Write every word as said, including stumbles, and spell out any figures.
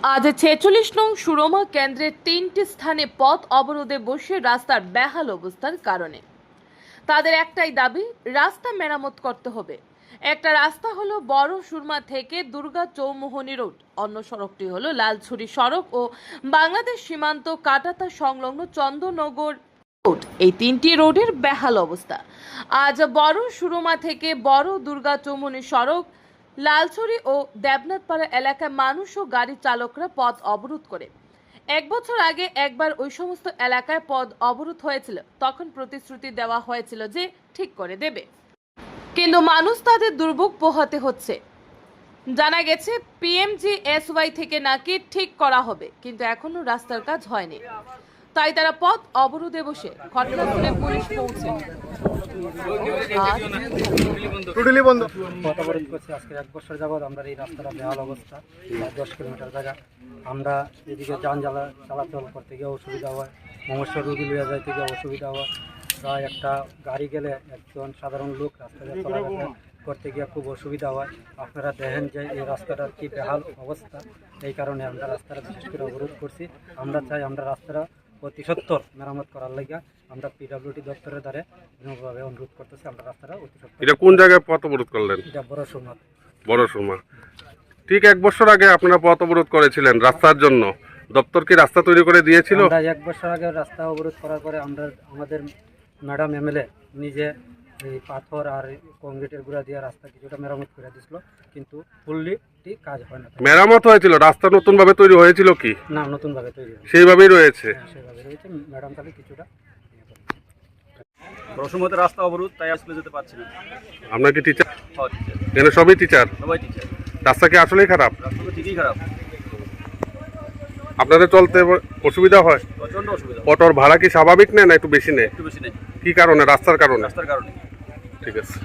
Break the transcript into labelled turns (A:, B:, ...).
A: আজ ছেচল্লিশ নং সুরমা কেন্দ্রের তিনটি স্থানে পথ অবরোধে বসে রাস্তার বেহাল অবস্থার কারণে তাদের একটাই দাবি, রাস্তা মেরামত করতে হবে। একটা রাস্তা হলো বড় সুরমা থেকে দুর্গা চৌমুহনী রোড, অন্য সড়কটি হলো লালছড়ি সড়ক ও বাংলাদেশ সীমান্ত কাটাতা সংলগ্ন চন্দননগর রোড। এই তিনটি রোডের বেহাল অবস্থা। আজ বড় সুরমা থেকে বড় দুর্গা চৌমুহনী সড়ক, লালছড়ি ও দেবনাথপাড়া এলাকায় মানুষ ও গাড়ি চালকরা পথ অবরোধ করে। এক বছর আগে একবার ওই সমস্ত এলাকায় পথ অবরোধ হয়েছিল, তখন প্রতিশ্রুতি দেওয়া হয়েছিল যে ঠিক করে দেবে, কিন্তু মানুষ তাদের দুর্ভোগ পোহাতে হচ্ছে। জানা গেছে পিএমজিএসওয়াই থেকে নাকি ঠিক করা হবে, কিন্তু এখনো রাস্তার কাজ হয়নি। তাই তারা পথ অবরোধে বসে ঘটনাস্থলে পুলিশ পৌঁছে
B: পথ অবরোধ করছি। আজকে এক বছর যাবৎ আমরা এই রাস্তাটা বেহাল অবস্থা, দশ কিলোমিটার জায়গা। আমরা এদিকে যান জ্বালা চলাচল করতে গিয়ে অসুবিধা হয়, মমস্য রুগী লিয়ে যাইতে গিয়ে অসুবিধা হয়। প্রায় একটা গাড়ি গেলে একজন সাধারণ লোক রাস্তায় চলাফেরা করতে গিয়ে খুব অসুবিধা হয়। আপনারা দেখেন যে এই রাস্তাটার কি বেহাল অবস্থা, এই কারণে আমরা রাস্তাটা বিশেষ করে অবরোধ করছি। আমরা চাই আমরা রাস্তাটা অতি সত্বর মেরামত করার লাগিয়া আমরা পিডব্লিউডি দপ্তরের দ্বারা বিনম্রভাবে অনুরোধ করতেছি। আমরা রাস্তাটা অতি সত্বর।
C: এটা কোন জায়গায় পথ অবরোধ করলেন?
B: এটা বড় সুরমা।
C: বড় সুরমা। ঠিক এক বছর আগে আপনারা পথ অবরোধ করেছিলেন রাস্তার জন্য, দপ্তর কি রাস্তা তৈরি করে দিয়েছিল?
B: আমরা এক বছর আগে রাস্তা অবরোধ করার পরে আমরা আমাদের ম্যাডাম এমএলএ নিজে এই পাথর আর কংক্রিটের গুঁড়া দিয়ে রাস্তা কিছুটা মেরামত করে দিয়েছিল, কিন্তু ফুললি ঠিক কাজ হয় না।
C: মেরামত হয়েছিল, রাস্তা নতুন ভাবে তৈরি হয়েছিল কি?
B: না, নতুনভাবে তৈরি হয়েছে,
C: সেইভাবেই রয়েছে।
B: হ্যাঁ, সেভাবে রয়েছে। ম্যাডাম তাহলে কিছুটা
D: রসমতে রাস্তা অবরোধ, তাই আসলে যেতে পারছি না।
C: আপনার কি টিচার?
D: হ্যাঁ, টিচার।
C: এখানে সবই টিচার?
D: সবাই টিচার।
C: রাস্তা কি আসলেই খারাপ?
D: রাস্তা তো ঠিকই খারাপ,
C: আপনাদের চলতে অসুবিধা হয়?
D: প্রচন্ড অসুবিধা।
C: অটোর ভাড়া কি স্বাভাবিক নেয় না একটু বেশি নেয়?
D: একটু বেশি নেই,
C: কি কারণে? রাস্তার কারণে?
D: রাস্তার কারণে।
C: ঠিক আছে।